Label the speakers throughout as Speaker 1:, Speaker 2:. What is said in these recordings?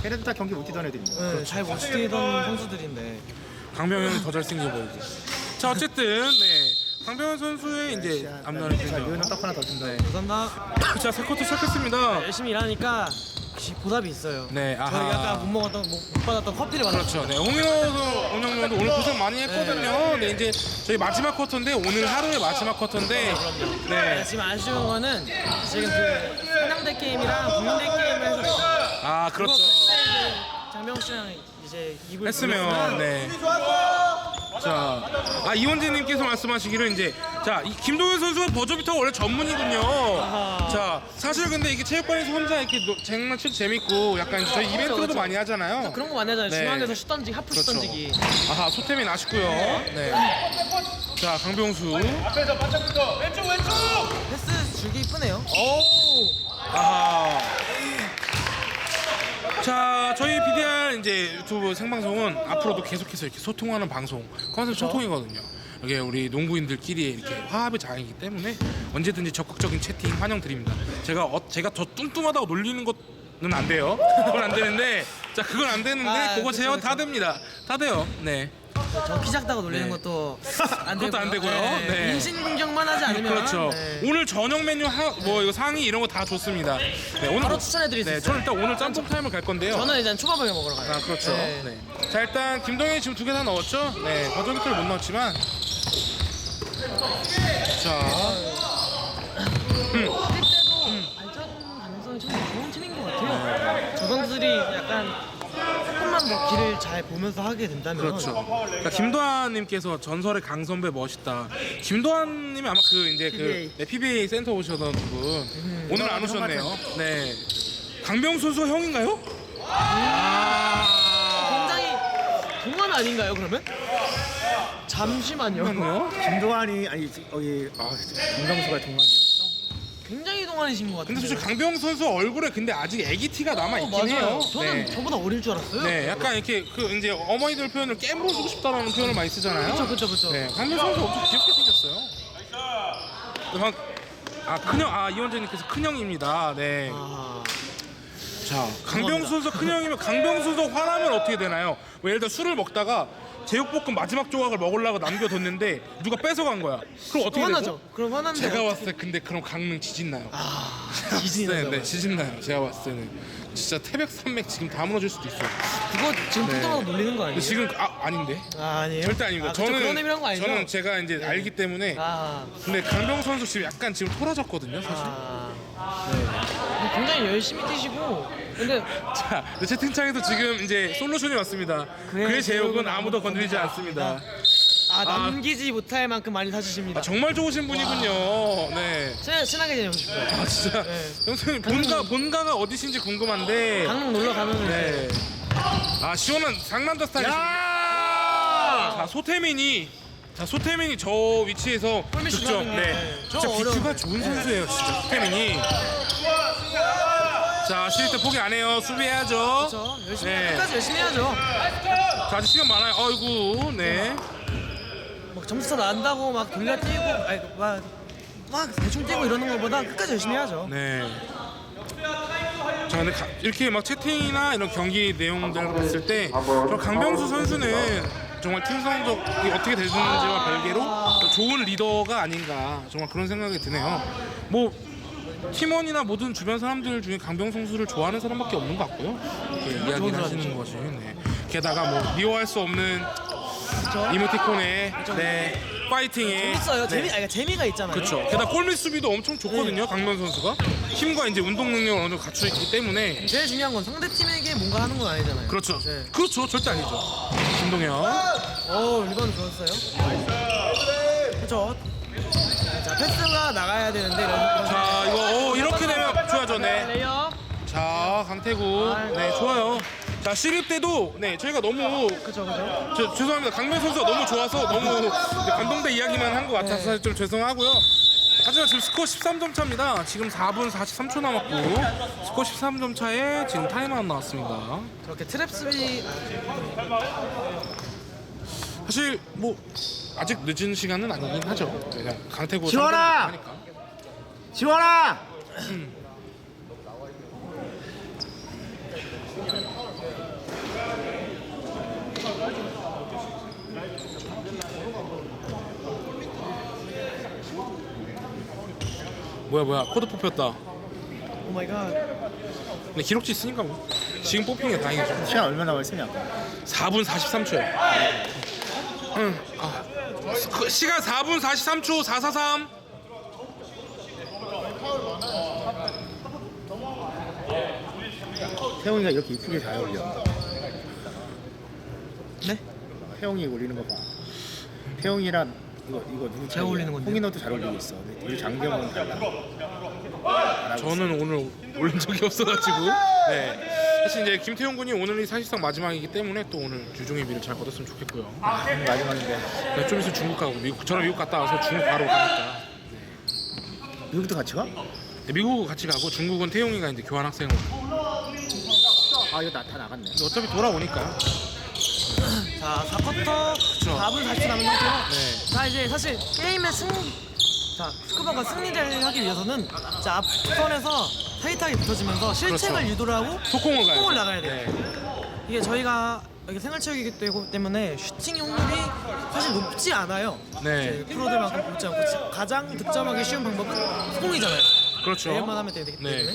Speaker 1: 걔네들 다 경기 못 뛰던 애들입니다.
Speaker 2: 네, 잘 못 뛰던 선수들인데.
Speaker 3: 강병현은 더 잘생겨 보이고. 자 어쨌든 네 강병현 선수의 이제 앞날을
Speaker 1: 자,
Speaker 3: 보죠.
Speaker 1: 류현은 딱 하나 더 준다.
Speaker 2: 감사합니다.
Speaker 3: 자 3쿼터 시작했습니다.
Speaker 2: 열심히 일하니까 역시 보답이 있어요.
Speaker 3: 네, 아하.
Speaker 2: 저희가 아까 못 받았던 커피를 받았죠.
Speaker 3: 그렇죠. 네, 홍인호 운영위원도 오늘 고생 많이 했거든요. 네, 이제 저희 마지막 쿼터인데 오늘 하루의 마지막 쿼터인데, 네,
Speaker 2: 지금 아쉬운 거는 지금 그 한양대 게임이랑 국민대 게임을 해서
Speaker 3: 아 그렇죠.
Speaker 2: 장병 씨랑 이제 입을
Speaker 3: 했으면, 네. 자, 이원재님께서 말씀하시기를 이제 이 김동현 선수가 버저비터가 원래 전문이군요. 자, 사실 근데 이게 체육관에서 혼자 이렇게 장난치도 재밌고 약간 저희 이벤트로도
Speaker 2: 그렇죠.
Speaker 3: 많이 하잖아요.
Speaker 2: 그런 거 많이 하잖아요.
Speaker 3: 네.
Speaker 2: 중앙에서 슛 던지기, 하프 슛
Speaker 3: 그렇죠.
Speaker 2: 던지기.
Speaker 3: 아하, 소템이 아쉽고요. 네. 자, 강병수.
Speaker 2: 패스 줄기 이쁘네요.
Speaker 3: 아하. 자, 저희 PDR 이제 유튜브 생방송은 앞으로도 계속해서 이렇게 소통하는 방송, 컨셉 소통이거든요. 이게 우리 농구인들끼리 이렇게 화합의 장이기 때문에 언제든지 적극적인 채팅 환영드립니다. 제가 더 뚱뚱하다고 놀리는 것은 안 돼요. 그건 안 되는데, 자, 그건 안 되는데, 그거 제어 다 됩니다. 다 돼요. 네.
Speaker 2: 저 키 작다고 놀리는
Speaker 3: 네.
Speaker 2: 것도 안
Speaker 3: 그것도 안 되고요. 네.
Speaker 2: 인신공격만 하지 않으면
Speaker 3: 그렇죠.
Speaker 2: 네.
Speaker 3: 오늘 저녁 메뉴 뭐 이거 상의 이런 거 다 좋습니다. 네, 오늘
Speaker 2: 바로 추천해드릴 수
Speaker 3: 네,
Speaker 2: 있어요.
Speaker 3: 저는 일단 오늘 짬뽕 타임을 갈 건데요.
Speaker 2: 저는 일단 초밥을 먹으러 가요.
Speaker 3: 아 그렇죠.
Speaker 2: 네.
Speaker 3: 네. 자 일단 김동현이 지금 2개 다 넣었죠. 네, 버저비터를 못 넣었지만. 자,
Speaker 2: 때도 발전 가능성이 참 좋은 팀인 것 같아요. 저 선수들이 약간 조금만 더 길을 잘 보면서 하게 된다면
Speaker 3: 그렇죠. 그러니까 김도환님께서 전설의 강선배 멋있다. 김도환님이 아마 그 이제
Speaker 2: PBA.
Speaker 3: 네, PBA 센터 오셨던 분 오늘 안 오셨네요. 네, 강병수 선수가 형인가요?
Speaker 2: 굉장히 동안 아닌가요 그러면? 잠시만요.
Speaker 3: 그렇네요.
Speaker 1: 김동환이 김병수가 동환이었어.
Speaker 2: 굉장히 동안이신 것 같은데.
Speaker 3: 근데 솔직히 강병수 선수 얼굴에 근데 아직 애기 티가 남아 있긴
Speaker 2: 맞아요.
Speaker 3: 해요.
Speaker 2: 저는
Speaker 3: 네.
Speaker 2: 저보다 어릴 줄 알았어요.
Speaker 3: 네, 약간 이렇게 그 이제 어머니들 표현을 깨물어주고 싶다라는 표현을 많이 쓰잖아요.
Speaker 2: 그렇죠.
Speaker 3: 네, 강병수 선수 엄청 귀엽게 생겼어요. 큰형, 이원재님께서 큰형입니다. 네. 자, 강병수 선수 큰형이면 강병수 선수 화나면 어떻게 되나요? 뭐 예를 들어 술을 먹다가 제육볶음 마지막 조각을 먹으려고 남겨뒀는데 누가 뺏어간 거야. 그럼 어떻게
Speaker 2: 화나죠.
Speaker 3: 되죠?
Speaker 2: 그럼 화난데.
Speaker 3: 제가 봤을 때 근데 그럼 강릉 지진 나요.
Speaker 2: 지진이
Speaker 3: 네,
Speaker 2: 나죠.
Speaker 3: 네, 지진 나요. 제가 봤을 때는 진짜 태백 산맥 지금 다 무너질 수도 있어요.
Speaker 2: 그거 지금
Speaker 3: 네.
Speaker 2: 뚱뚱하고 놀리는 거 아니에요?
Speaker 3: 근데 지금 아닌데.
Speaker 2: 아니에요?
Speaker 3: 절대 아닙니다.
Speaker 2: 그쵸, 그런 의미란 거 아니죠?
Speaker 3: 저는 제가 이제 알기 때문에. 근데 강병수 선수 지금 약간 지금 토라졌거든요, 사실.
Speaker 2: 굉장히 열심히 뛰시고 근데
Speaker 3: 자, 근데 채팅창에도 지금 이제 솔루션이 왔습니다. 그의 제욕은 아무도 건드리지 않습니다.
Speaker 2: 남기지 못할 만큼 많이 사주십니다.
Speaker 3: 정말 좋으신 분이군요. 네.
Speaker 2: 친하게 지내고 싶어요.
Speaker 3: 진짜.
Speaker 2: 네.
Speaker 3: 형수님 본가가 어디신지 궁금한데.
Speaker 2: 강릉 놀러 가면
Speaker 3: 네. 시원한 상남자 스타일이십니다. 자, 소태민이 저 위치에서
Speaker 2: 골밑
Speaker 3: 득점.
Speaker 2: 슛하는
Speaker 3: 네.
Speaker 2: 게
Speaker 3: 진짜 비큐가 좋은 선수예요, 진짜 소태민이. 자, 쉴 때 포기 안 해요. 수비해야죠.
Speaker 2: 그렇죠. 끝까지 열심히 해야죠.
Speaker 3: 자, 아직 시간 많아요. 아이고, 네.
Speaker 2: 막 점수차 난다고 막 돌려 뛰고 막 대충 뛰고 이러는 것보다 끝까지 열심히 해야죠.
Speaker 3: 네. 자, 근데 이렇게 막 채팅이나 이런 경기 내용들을 봤을 때 강병수 선수는 정말 팀 성적이 어떻게 되는지와 별개로 좋은 리더가 아닌가 정말 그런 생각이 드네요. 뭐 팀원이나 모든 주변 사람들 중에 강병수 선수를 좋아하는 사람밖에 없는 것 같고요. 이렇게 이야기를 하시는 것이. 네. 게다가 뭐 미워할 수 없는 이모티콘에 네, 파이팅에
Speaker 2: 재밌어요.
Speaker 3: 네.
Speaker 2: 재미가 있잖아요.
Speaker 3: 그렇죠. 게다가 골밑 수비도 엄청 좋거든요. 강병수 선수가 힘과 이제 운동 능력을 어느 정도 갖추고 있기 때문에.
Speaker 2: 제일 중요한 건 상대 팀에게 뭔가 하는 건 아니잖아요.
Speaker 3: 그렇죠.
Speaker 2: 네.
Speaker 3: 그렇죠. 절대 아니죠. 김동현.
Speaker 2: 리바운드 좋았어요. 그렇죠. 자, 패스가 나가야 되는데
Speaker 3: 자, 이거 이렇게 되면 좋아져. 네.
Speaker 2: 레이업.
Speaker 3: 자, 강태구. 네, 좋아요. 자, 시립 때도 네, 저희가 너무
Speaker 2: 그렇죠.
Speaker 3: 죄송합니다. 강명 선수가 너무 좋아서 너무 감동대 이야기만 한 것 같아서 사실 좀 죄송하고요. 하지만 지금 스코어 13점 차입니다. 지금 4분 43초 남았고 스코어 13점 차에 지금 타임아웃 나왔습니다.
Speaker 2: 저렇게 트랩 수비
Speaker 3: 사실 뭐 아직 늦은 시간은 아니긴 하죠. 그냥 강태구
Speaker 1: 지원아!
Speaker 3: 하니까.
Speaker 1: 지원아!
Speaker 3: 뭐야 코드 뽑혔다.
Speaker 2: 오 마이 갓.
Speaker 3: 근데 기록지 있으니까 뭐 지금 뽑힌 게 다행이죠.
Speaker 1: 시간 얼마나 남았으냐?
Speaker 3: 4분 43초요. 응. 시간 4분 43초 443.
Speaker 1: 태용이가 이렇게 이쁘게 잘 어울려.
Speaker 2: 네?
Speaker 1: 태용이 올리는 거 봐. 태용이랑 이거 누구?
Speaker 2: 제가 올리는 건데요?
Speaker 1: 홍인호도 잘 올리고 있어. 근데 우리 장병은 달라.
Speaker 3: 저는 오늘 올린 적이 없어가지고. 네. 사실 이제 김태용 군이 오늘이 사실상 마지막이기 때문에 또 오늘 주종의 미를 잘 거뒀으면 좋겠고요.
Speaker 1: 마지막인데
Speaker 3: 네, 좀 있으면 중국 가고 저는 미국 갔다 와서 중국 바로 가니까.
Speaker 1: 미국도 같이 가?
Speaker 3: 네, 미국 같이 가고 중국은 태용이가 이제 교환 학생으로.
Speaker 1: 아 이거 다 나갔네.
Speaker 3: 어차피 돌아오니까.
Speaker 2: 자 4쿼터 4분 40초 남은 상태로.
Speaker 3: 네.
Speaker 2: 자 이제 사실 게임의 자 스쿠버가 승리를 하기 위해서는 자 앞선에서 타이트하게 붙어지면서 실책을
Speaker 3: 그렇죠.
Speaker 2: 유도를 하고
Speaker 3: 속공을 가야
Speaker 2: 속공을
Speaker 3: 돼요.
Speaker 2: 나가야 돼요.
Speaker 3: 네.
Speaker 2: 이게 저희가 여기 생활체육이기 때문에 슈팅 확률이 사실 높지 않아요.
Speaker 3: 네.
Speaker 2: 이제 프로들만큼 높지 않고 가장 득점하기 쉬운 방법은 속공이잖아요.
Speaker 3: 그렇죠.
Speaker 2: 대회만 하면 되기 때문에.
Speaker 3: 네.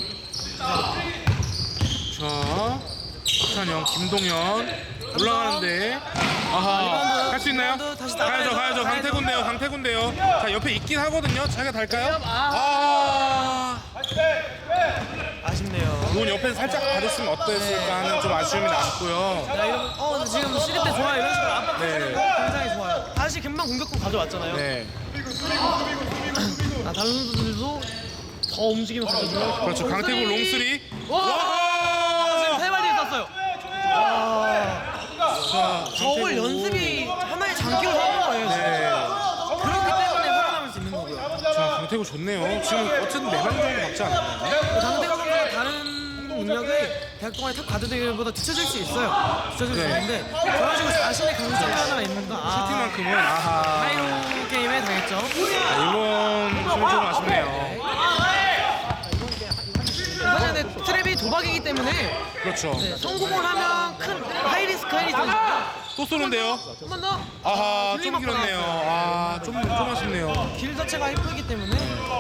Speaker 3: 자, 박찬영, 김동현 올라가는데 아하 할 수 있나요?
Speaker 2: 리바운드 다시
Speaker 3: 가야죠.
Speaker 2: 나가야죠.
Speaker 3: 강태군데요. 자 옆에 있긴 하거든요. 자기가 달까요? 아,
Speaker 2: 아쉽네요.
Speaker 3: 이건 옆에서 살짝 받았으면 어땠을까 하는 좀 아쉬움이 남고요.
Speaker 2: 야, 이러면 근데 지금 시립 때 좋아요. 이런 식으로 압박하는
Speaker 3: 네.
Speaker 2: 거 굉장히 좋아요. 다시 금방 공격권 가져왔잖아요.
Speaker 3: 네,
Speaker 2: 다른 선수들도 더 움직이면 가져줘요.
Speaker 3: 그렇죠. 강태군 롱쓰리.
Speaker 2: 와! 지금 세 발이 있었어요. 와.
Speaker 3: 자,
Speaker 2: 저울
Speaker 3: 강태군.
Speaker 2: 연습이 하나의 장기로 삼은 거예요.
Speaker 3: 네.
Speaker 2: 그렇기 때문에 살아남을 수 있는 거고요.
Speaker 3: 자, 강태군 좋네요. 지금 어쨌든 4명 정도 받지 않았나요?
Speaker 2: 장대가 선수가 다른 능력이 대학 동아리 탑 가드들보다 뒤쳐질 수 있어요. 뒤쳐질 수
Speaker 3: 네.
Speaker 2: 있는데 저런 식으로 자신의 강점이 하나 있는 거.
Speaker 3: 슈팅만큼은 아하.
Speaker 2: 하이로 게임에 당했죠.
Speaker 3: 이번 좀 아쉽네요.
Speaker 2: 사실 근데 트랩이 도박이기 때문에
Speaker 3: 그렇죠.
Speaker 2: 네, 성공을 하면 큰 하이리스크 하이리스크.
Speaker 3: 또 쏘는데요.
Speaker 2: 한 번 더.
Speaker 3: 아하, 좀
Speaker 2: 딜레이
Speaker 3: 길었네요.
Speaker 2: 맞고
Speaker 3: 아, 좀 아쉽네요.
Speaker 2: 길 자체가 이쁘기 때문에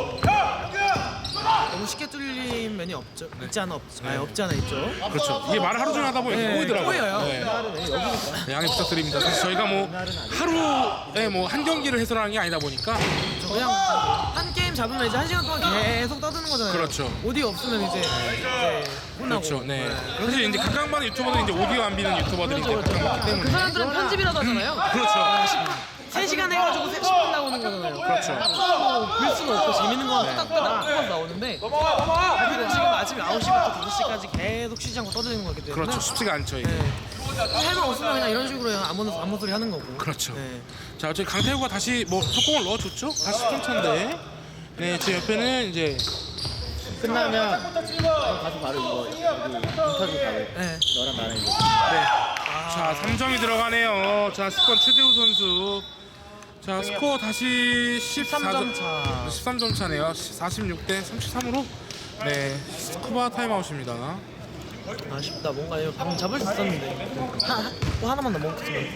Speaker 2: 너무 쉽게 뚫린 면이 없죠. 있지 않아 없지 않아 있죠.
Speaker 3: 그렇죠. 이게 말을 하루 종일 하다 보니까
Speaker 2: 네,
Speaker 3: 꼬이더라고요.
Speaker 2: 꼬여요.
Speaker 3: 네, 양해 부탁드립니다. 사실 저희가 뭐 하루에 뭐 한 경기를 해설하는 게 아니다 보니까
Speaker 2: 그냥 한 게임 잡으면 이제 1시간 동안 계속 떠드는 거잖아요.
Speaker 3: 그렇죠.
Speaker 2: 오디오 없으면 이제 혼나고.
Speaker 3: 그렇죠. 네. 사실 이제 각광받는 유튜버들 이제 오디오 안 비는 유튜버들이 이제 각광받기
Speaker 2: 그
Speaker 3: 때문에
Speaker 2: 사람들은 편집이라도 하잖아요.
Speaker 3: 그렇죠.
Speaker 2: 3시간 해가지고 10분 나오는 거잖아요.
Speaker 3: 그렇죠.
Speaker 2: 볼 수는 없고 재밌는 거 따닥따닥 뽑아서 나오는데 그리고 지금 아침 9시부터 5시까지 계속 쉬지 않고 떠드는 거기 때문에
Speaker 3: 그렇죠. 쉽지가 않죠 이게.
Speaker 2: 네. 할 말 없으면 그냥 이런 식으로 아무 소리 하는 거고.
Speaker 3: 그렇죠.
Speaker 2: 네.
Speaker 3: 자, 어차피 강태구가 다시 뭐 속공을 넣어줬죠. 다시 10점 차인데. 네, 제 옆에는 이제
Speaker 1: 끝나면 가서 바로 이거 여기 인터뷰 가고
Speaker 2: 네.
Speaker 1: 너랑 나랑 이거.
Speaker 3: 자, 3점이 들어가네요. 자, 10번 최재우 선수. 자, 스코어 다시
Speaker 2: 13점 차.
Speaker 3: 13점 차네요. 46대 33으로 네, 스쿠바 타임아웃입니다.
Speaker 2: 아쉽다. 뭔가 이거 방금 잡을 수 있었는데 또 하나만 더 먹었으면.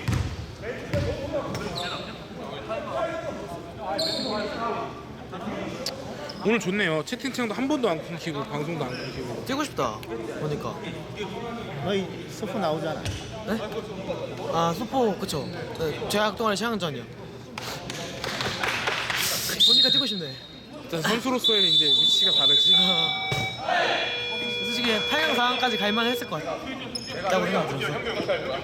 Speaker 3: 오늘 좋네요. 채팅창도 한 번도 안 끊기고 방송도 안 끊기고.
Speaker 2: 뛰고 싶다. 보니까.
Speaker 1: 너희 소포 나오잖아.
Speaker 2: 네? 아 소포 그쵸. 네, 제약 동아리 최양전이요. 보니까 뛰고 싶네.
Speaker 3: 일단 선수로서의 이제 위치가 다르지.
Speaker 2: 솔직히 8강 4강까지 갈만 했을 것 같다고 생각했어요.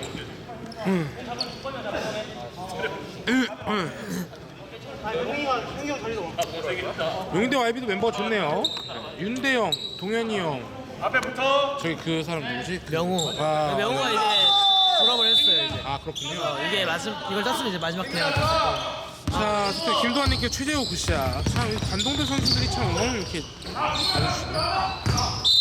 Speaker 3: 용인대 YB도 멤버가 좋네요. 윤대영, 동현이 형. 저기 그 사람 누구지?
Speaker 2: 명우.
Speaker 3: 아,
Speaker 2: 명우가 이제 졸업을 했어요 이제.
Speaker 3: 아, 그렇군요.
Speaker 2: 이게 이걸 땄으면 이제 마지막 대회가 됐을 거예요.
Speaker 3: 자, 그때 김도환님께 최재호 굿샷. 참, 이 관동대 선수들이 참 오늘 이렇게 알려주시네요.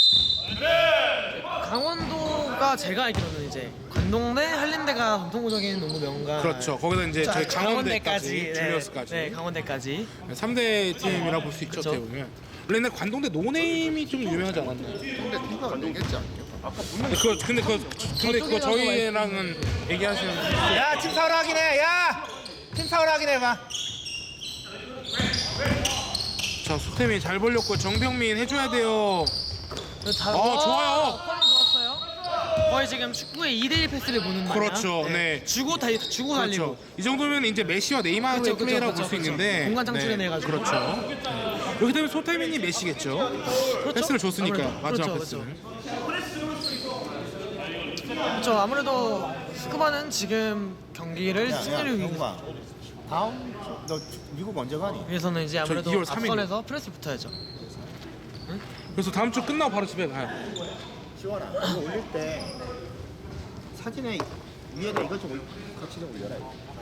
Speaker 2: 강원도가 제가 알기로는 이제 관동대, 한림대가 전통적인 농구 명가.
Speaker 3: 그렇죠. 거기다 이제
Speaker 2: 자,
Speaker 3: 저희 강원대까지,
Speaker 2: 네,
Speaker 3: 줄리어스까지.
Speaker 2: 네, 강원대까지.
Speaker 3: 3대 팀이라고 볼 수 있죠,
Speaker 2: 그쵸.
Speaker 3: 어떻게 보면. 원래 근데 관동대 노네임이 좀 유명하지 않았나요?
Speaker 4: 근데 누가 관동했지 않냐?
Speaker 3: 근데 그거 저희랑은 얘기하시는 분이
Speaker 1: 야, 팀 사우라 확인해. 야, 팀 사우라 확인해 봐.
Speaker 3: 자, 소태민 잘 벌렸고 정병민 해줘야 돼요. 좋아요.
Speaker 2: 펄이 좋았어요. 거의 지금 축구의 2대1 패스를 보는 마냥.
Speaker 3: 그렇죠. 네.
Speaker 2: 주고 달리고.
Speaker 3: 그렇죠. 이 정도면 이제 메시와 네이마르의
Speaker 2: 그렇죠,
Speaker 3: 플레이라고 볼
Speaker 2: 그렇죠,
Speaker 3: 수
Speaker 2: 그렇죠.
Speaker 3: 있는데
Speaker 2: 공간 창출해내가지고.
Speaker 3: 그렇죠. 네. 이렇게 되면 소태민이 메시겠죠. 패스를 줬으니까
Speaker 2: 아무래도.
Speaker 3: 마지막
Speaker 2: 그렇죠,
Speaker 3: 패스를.
Speaker 2: 그렇죠. 아무래도 스쿠바는 지금 경기를
Speaker 1: 야,
Speaker 2: 승리를
Speaker 1: 영웅아. 다음 너 미국 언제 가니?
Speaker 2: 위해서는 이제 아무래도
Speaker 3: 2월 3일 이요.
Speaker 2: 앞선에서 프레스 붙어야죠.
Speaker 3: 그래서 다음 주 끝나고 바로 집에 가요.
Speaker 1: 시원아. 이거 올릴 때 사진에 위에다 이것 좀 같이 좀 올려라.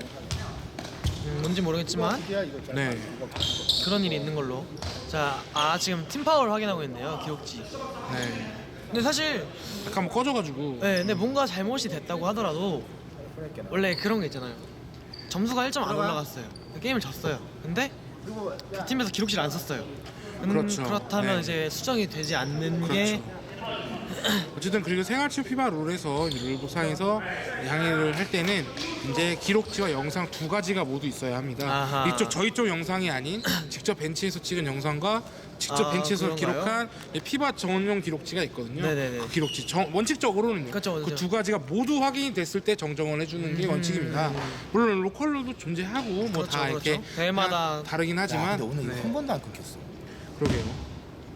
Speaker 2: 뭔지 모르겠지만
Speaker 1: 이거 이거 잘
Speaker 3: 네.
Speaker 1: 이거
Speaker 2: 그런 일이 있는 걸로. 자, 지금 팀 파워를 확인하고 있네요. 기록지.
Speaker 3: 네.
Speaker 2: 근데 사실
Speaker 3: 약간 뭐 꺼져가지고.
Speaker 2: 네, 근데 뭔가 잘못이 됐다고 하더라도 원래 그런 게 있잖아요. 점수가 1점 안 올라갔어요. 게임을 졌어요. 근데
Speaker 1: 그리고
Speaker 2: 그 팀에서 기록실을 안 썼어요.
Speaker 3: 그렇죠.
Speaker 2: 그렇다면
Speaker 3: 네.
Speaker 2: 이제 수정이 되지 않는 게
Speaker 3: 어쨌든 그리고 생활치료 피바 룰에서 룰보상에서 항의를 할 때는 이제 기록지와 영상 두 가지가 모두 있어야 합니다.
Speaker 2: 아하.
Speaker 3: 저희 쪽 영상이 아닌 직접 벤치에서 찍은 영상과 직접 벤치에서
Speaker 2: 그런가요?
Speaker 3: 기록한 피바 전용 기록지가 있거든요.
Speaker 2: 네네네.
Speaker 3: 그 기록지 원칙적으로는요.
Speaker 2: 그렇죠,
Speaker 3: 그
Speaker 2: 그렇죠.
Speaker 3: 두 가지가 모두 확인이 됐을 때 정정을 해주는 게 원칙입니다. 물론 로컬로도 존재하고 뭐 다
Speaker 2: 그렇죠,
Speaker 3: 이렇게
Speaker 2: 그렇죠. 대회마다
Speaker 3: 다르긴
Speaker 1: 야,
Speaker 3: 하지만
Speaker 1: 근데 오늘
Speaker 3: 네.
Speaker 1: 한 번도 안 끊겼어.
Speaker 3: 그러게요.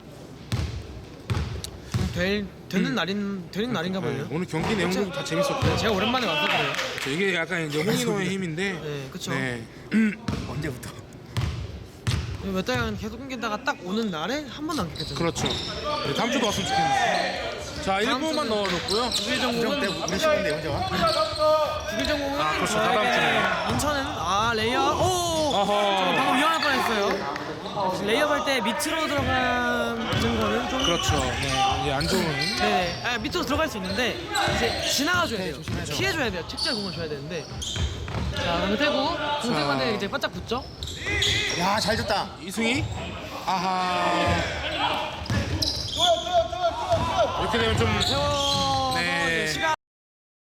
Speaker 2: 되는 날인가 봐요.
Speaker 3: 네, 오늘 경기 내용도 다 재밌었고요.
Speaker 2: 제가 오랜만에 와서 그래요.
Speaker 3: 이게 약간 이제 홍인호의 힘인데.
Speaker 2: 네, 그쵸.
Speaker 3: 네.
Speaker 1: 언제부터?
Speaker 2: 몇 달간 계속 끊기다가 딱 오는 날에 한 번도 안 끊겼잖아요.
Speaker 3: 그렇죠. 네, 다음 주도 왔으면 좋겠네요. 자, 1분만
Speaker 2: 주는-
Speaker 3: 넣어줬고요.
Speaker 2: 국일 전공은
Speaker 1: 우리 시간대 언제 와?
Speaker 2: 국일 전공은
Speaker 3: 그렇죠. 다다음 주네.
Speaker 2: 인천은 레이업
Speaker 3: 어허.
Speaker 2: 방금 위험할 뻔했어요. 레이업 할 때 밑으로 들어가는 거는 좀
Speaker 3: 그렇죠. 네, 이제 안 좋은.
Speaker 2: 네, 밑으로 들어갈 수 있는데 이제 지나가줘야 돼요. 피해줘야 돼요. 책자 공을 줘야 되는데. 자, 강태구 공태구한테 이제 바짝 붙죠.
Speaker 1: 야, 잘 줬다.
Speaker 3: 이승희. 아하. 이렇게 되면 좀. 네.
Speaker 2: 시간